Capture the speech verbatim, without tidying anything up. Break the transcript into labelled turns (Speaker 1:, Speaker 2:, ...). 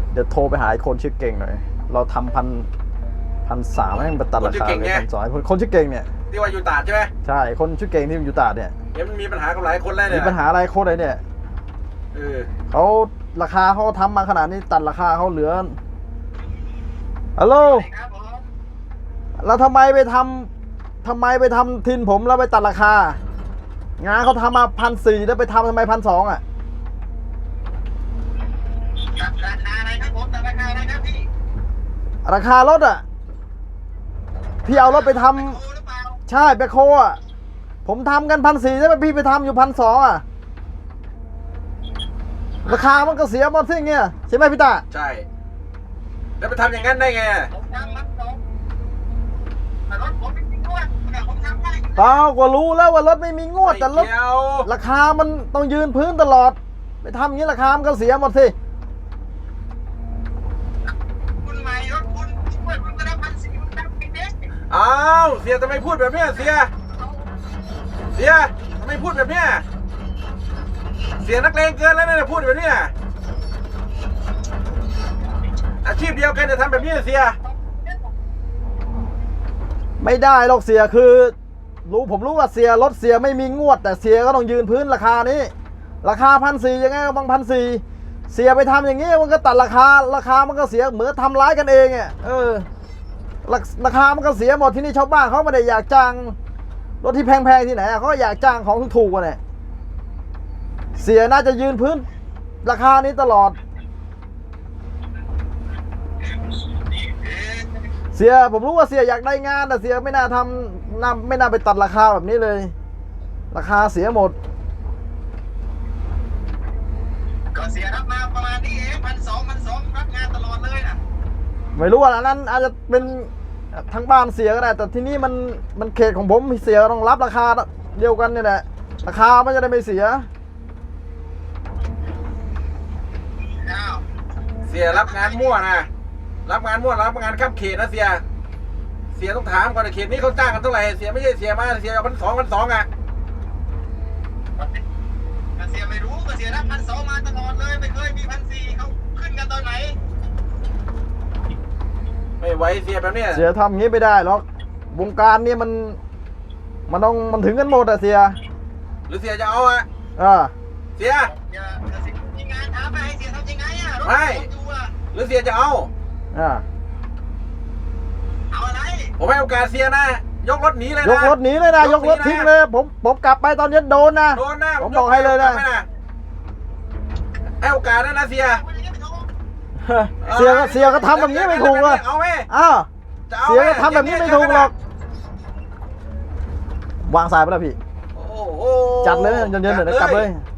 Speaker 1: เดี๋ยวโทรไปหาไอ้คนชื่อเก่งหน่อยเราทำพันพันสามให้มันไปตัดราคาเลยพันสองคนชื่อเก่งเนี่ย
Speaker 2: ที่ว่าอยู่ตาดใช่ไหม
Speaker 1: ใช่คนชื่อเก่งที่อยู่ตาดเนี่ย
Speaker 2: เดี๋ยวมันมีปัญหากับหลายคนแล้วเนี่ย
Speaker 1: มีปัญหาอะไรโคตรเลยเนี่ย
Speaker 2: เออ
Speaker 1: เขาราคาเขาทำมาขนาดนี้ตัดราคาเขาเหลือฮัลโหลแล้วทำไมไปทำทำไมไปทำทินผมแล้วไปตัดราคางานเขาทำมาพันสี่แล้วไปทำทำไมพันสองอ่ะ
Speaker 3: ราคาอะไรครับผมแต่ราคาอะไรครับพี่
Speaker 1: ราคารถอ่ะพี่เอารถไปทำใช่แบคโฮอ่ะผมทำกันพันสี่แล้วพี่ไปทำอยู่พันสองอ่ะราคามันก็เสียหมดสิเงี้ยใช่ไหมพี่ตา
Speaker 2: ใช่แล้วไปทำอย่างนั้นได้ไง
Speaker 3: ผมทำมันสองแต่รถผมไม่มีงวดแต่ผมทำได้
Speaker 1: เปล่าก็รู้แล้วว่ารถไม่มีงวดแต่รถราคามันต้องยืนพื้นตลอดไปทำอย่างนี้ราคามันก็เสียหมดสิ
Speaker 3: คุณใหม่รถคุณช่วยคุณก็ได้พันสี่คุณทำไปเด็ก
Speaker 2: อ้าวเสียทำไมพูดแบบนี้เสียเสียทำไมพูดแบบนี้เสียนักเลงเกินแล้วเนี่ยพูดแบบนี้อาชีพเดียวกันจะทำแบบนี้เสีย
Speaker 1: ไม่ได้หรอกเสียคือรู้ผมรู้ว่าเสียรถเสียไม่มีงวดแต่เสียก็ต้องยืนพื้นราคานี้ราคาพันสี่ยังไงก็บางพันสี่เสียไปทำอย่างนี้มันก็ตัดราคาราคามันก็เสียเหมือนทำร้ายกันเองอ่ะเออราคามันก็เสียหมดที่นี่ชาวบ้านเขาไม่ได้อยากจ้างรถที่แพงๆที่ไหนเขาอยากจ้างของถูกๆกันเนี่ยเสียน่าจะยืนพื้นราคานี้ตลอดเสียผมรู้ว่าเสียอยากได้งานแต่เสียไม่น่าทำน่าไม่น่าไปตัดราคาแบบนี้เลยราคาเสียหมด
Speaker 3: ก็เสียรับมาประมาณนี้เองพันสองพันสองรับงานตลอดเลยนะ
Speaker 1: ไม่รู้ว่าอันนั้นอาจจะเป็นทั้งบ้านเสียก็ได้แต่ที่นี่มันมันเขตของผมเสียต้องรับราคาเดียวกันเนี่ยแหละราคามันจะได้ไม่เสีย
Speaker 2: เสียรับงานมั่วนะรับงานมั่วรับงานข้ามเขตนะเสียเสียต้องถามก่อนเขตนี้เขาจ้างกันเท่าไหร่เสียไม่ใช่เสียมาเสียเอาพันสองพันสองอ่ะ
Speaker 3: เสียไม่รู้ก็เสียรับพันสองมาตลอดเลยไม่เคยมีพันสี่เขาขึ้นกันตอนไหน
Speaker 2: ไม่ไหวเสียแบบนี้
Speaker 1: เสียทำงี้ไม่ได้หรอกวงการนี้มันมันต้องมันถึงกันหมดอะเสีย
Speaker 2: หรือเสียจะเอาอะ
Speaker 1: อ่า
Speaker 2: เสีย
Speaker 3: มีงานถามไปให้เสียทำยังไงอะ
Speaker 2: ไม่หรือเสียจะเอา
Speaker 1: อ่า
Speaker 3: เอาอะไร
Speaker 2: ผมให้โอกาสเสียนะยกรถหนีเลยนะ
Speaker 1: ยกรถหนีเลยนะยกรถทิ้งเลยผมผมกลับไปตอนนี้โดนนะ
Speaker 2: โดนนะ
Speaker 1: ผมบอกให้เลยนะ
Speaker 2: ให้โอกาสนะนะเสีย
Speaker 1: เสียก็เสียก็ทำแบบนี้ไม่ถูกเลย
Speaker 2: เอาไหม
Speaker 1: อ้าวเสียก็ทำแบบนี้ไม่ถูกหรอกวางสายไปแล้วพี่จัดเลยเย็นๆเดี๋ยวกลับเลย